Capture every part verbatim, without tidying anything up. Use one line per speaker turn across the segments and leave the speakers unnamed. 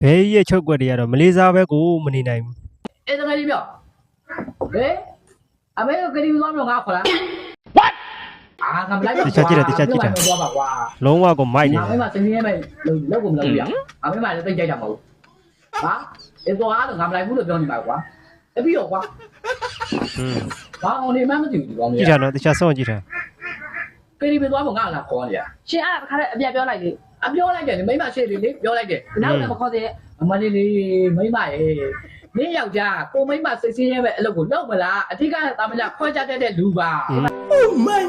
ဘယ်ရဲ့ချုပ်ွက်တွေကတော့မလေးစားပဲကိုမနေနိုင်ဘူး
အဲ့ဒါကြီးပြောဟဲ့အမေကကလေးသွားမလို့ငါခေါ်လား what အာငါမလိုက်ပါဘူးတခြားကြည့်တယ်တခြားကြည့်တယ်သွားပါကွာ
လုံးဝကိုမိုက်နေတယ်
အမေမစင်းရဲမဲ့လောက်ကုန်မလုပ်ရအမေမလည်းသိကြိုက်တာမဟုတ်ဟာအဲ့တော့အားတော့ငါမလိုက်ဘူးလို့ပြောနေပါကွာတပည့်တော့ကွာဟွန်းဘာအောင်နေမှမသိဘူးဒီကောင်ကြီး
ကြည့်တာနော်တခြားစောင့်ကြည့်တာ
ကလေးပဲသွားဖို့ငါလာခေါ်နေရ
ရှင်အဲ့ဒါခါတဲ့အပြတ်ပြောလိုက်လေ
အပြောလိုက်တယ်မိမရှေ့လေးလေးပြောလိုက်တယ်
နောက်လည်းမခေါ်သေး
အမလေးလေးမိမရဲ့နင်းယောက်ျားကိုမိမစိတ်ဆင်းရဲပဲအလုပ်ကိုလုပ်မလားအထက်ကတာမလားခွဲကြတတ်တဲ့လူပါ Oh my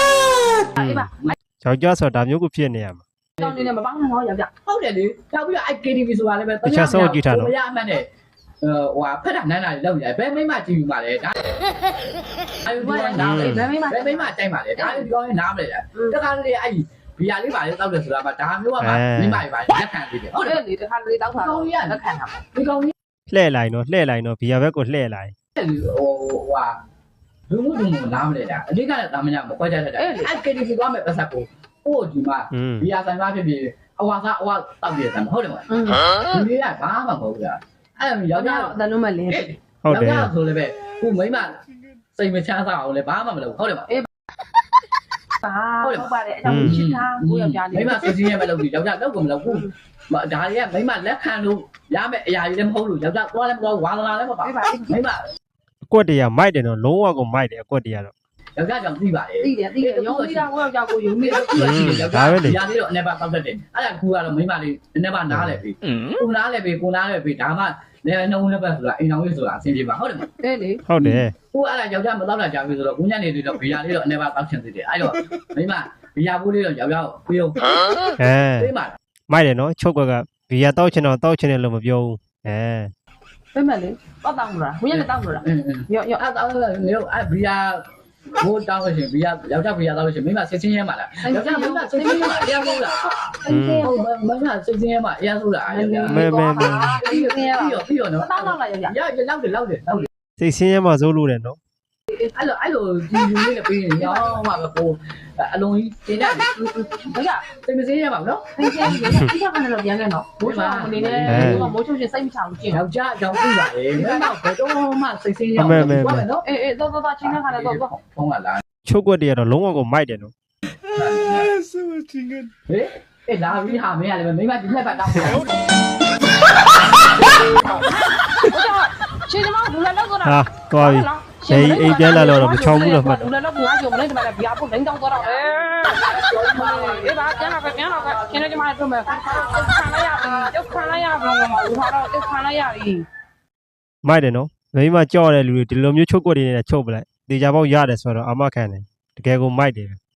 god
အေးပါ
ယောက်ျားဆိုတာဒါမျိုးကိုဖြစ်နေရမှာ
တောင်းနေနဲ့မပေါင်းနဲ့ဟောယောက်ျား
ဟုတ်တယ်လေနောက်ပြီးတော့အဲ့ K T V ဆိုတာလည်းပဲ
တခြားစောင့်ကြည့်တာနော်
ဘုရားအမှန်နဲ့ဟိုဟာဖက်တာနန်းတာတွေလောက်ရတယ်ဘယ်မိမကြည့်ယူပါလဲဒါအဲ့ဒီကနားလေဘယ်မိမဘယ်မိမတိုက်ပါလဲဒါလည်းဒီကောင်နားမလဲတခါလေအဲ့ဘီယာလေးပါလေတောက်တယ်ဆိုတာကဒါမျိုးကမှမိမတွေပါလက်ခံပြီးတယ်
ဟုတ်တယ်လေတခါလေတောက်တာ
ကောင်ကြီးက
လက်ခံတာပေါ့
ဒီကောင်ကြီး
လှဲ့လိုက်နော်လှဲ့လိုက်နော်ဘီယာဘက်ကိုလှဲ့လိုက်
ဟိုဟွာလူမှုလူမှုနားမလဲတာအဓိကတာမညာမခွဲကြတတ်တာအဲ့ K T V သွားမယ်ပတ်သက်ကိုဟိုဒီမှာဘီယာဆိုင်မှာဖြစ်ဖြစ်အဝါစားအဝါတောက်တယ်တယ်ဟုတ်တယ်မဟုတ်ဒီလေးကဘာမှမဟုတ်ဘူးအဲ့ယောက်ျား
တလုံးမလင်း
ဟုတ်တယ်
ယောက်ျားဆိုလည်းပဲခုမိမစိတ်မချမ်းသာအောင်လည်းဘာမှမလုပ်ဟုတ်တယ်မ
အေးပါဟုတ်ပါတယ်အကြောင်းရှင်းထားကိုယောက်ျား
လေးမိမစိတ်ချင်းရဲ့မလုပ်ဘူးယောက်ျားတော့ကိုမလုပ်ဘူးဒါတွေကမိမလက်ခံလို့ရမယ့်အရာတွေလည်းမဟုတ်လို့ယောက်ျားသွားလည်းမသွားဝါလာလည်းမပါမိမ
အကွက်တရမိုက်တယ်နော်လုံးဝကိုမိုက်တယ်အကွက်တရတော့
ယောက်ျားကြောင့်သိပါတယ်
သိတယ်သိတယ်ရုံးသိတာကိုယောက်ျားကိုယုံမိတယ်
ယောက်ျားဒီရာလေးတော့အနေပါပောက်တတ်တယ်အဲ့ဒါကူကတော့မိမလေးအနေပါနားလဲပြီကိုနားလဲပြီကိုနားလဲပြီဒါမှလည်းနှုံးလည်းပဲဆိုတာအိမ်တော်ကြီးဆိုတာအဆင်ပြေပါဟုတ်တယ်မ
အေးလေ
ဟုတ်တယ်
ကိုအဲ့ဒါယောက်ျားမတော့တာကြာပြီဆိုတော့ကိုညနေလေးတော့ဘီယာလေးတော့အနေပါပောက်ချင်သေးတယ်အဲ့တော့မိမဘီယာဘူးလေးတော့ယောက်ျားကိုပြေးအောင်
အဲ
ပြေးပါ
မိုက်တယ်နော်ချုပ်ကွက်ကဘီယာတောက်ချင်တော့တောက်ချင်တယ်လို့မပြောဘူးအဲ
ပြမလေးတော့တောင်းလို့လားဘုရားလည်းတောင်းလို့လားရော့ရော့
အဲ့တောင်းလို့မျိုးအဲ့ဘီယာဘိုးတောင်းလို့ရှိရင်ဘီယာယောက်ျားဘီယာတောင်းလို့ရှိရင်မိမစစ်ချင်းရဲမှာလားယောက်ျားမိမစစ်ချင်းရဲမှာအရင်ဆုံးလားဟုတ်မိမစစ်ချင်းရဲမှာအရင်ဆုံးလားယောက်ျား
မဲမဲမဲ
ပြီးပြီးတော့ပြီးတော့နော်
တောင်းတော့လားယောက်ျား
ရရလောက်တယ်လောက်တယ်လောက်တယ်
စိတ်ဆင်းရဲမှာစိုးလို့တယ်နော်
အဲ့လိုအဲ့လိုဒီလူလေးနဲ့ပြီးရင်ရောင်းမှာပဲကိုအလုံးကြီးတင်တယ်ဘယ်ကစိတ်မစင်းရပါဘူးနော်
စိတ်စင်းရဒီကကနေတော့ပြန်ခဲ့နော်ဘိုးချောင်းအနေနဲ့မိုးချုံချင်းစိတ်မချဘူးကျင်
ယောက်ျားအကြောင်းသိပါလေမင်းတော့ဘယ်တော့မှစိတ်စင်းရအောင်
မယ်မယ်
နော်
အေးအေးတော့တော့ချင်းခါတော့တော့
ဖုန်းကလာ
ချုပ်ကွက်တရတော့လုံးဝကိုမိုက်တယ်နော်
ဆိုချင်းဟေးအေးလာပြီးဟာမင်းရတယ်မိမဒီလက်ပတ်တောင်းတယ်
ရှင်မလူလာတော့တော့
ဟာသွားပြီအေးအေးပြန်လာတော့မချောင်းဘူးတော့မှတ်
လူလာတော့ငါကြောင့်မလဲဒီမှာဗျာပုတ်လိမ့်တောင်းတော့တော့အေးပါကျန်လာပဲကျန်လာပဲရှင်လည်းဒီမှာတော့မယ်ခံလိုက်ရပြီရုပ်ခံလိုက်ရပြီဘူးဟာတော့ရုပ်ခံလိုက်ရပြီ
မိုက်တယ်နော်မိမကြောက်တဲ့လူတွေဒီလိုမျိုးချုပ်ကွက်တွေနဲ့ချုပ်ပလိုက်တေချာပေါက်ရတယ်ဆိုတော့အမခံတယ်တကယ်ကိုမိုက်တယ်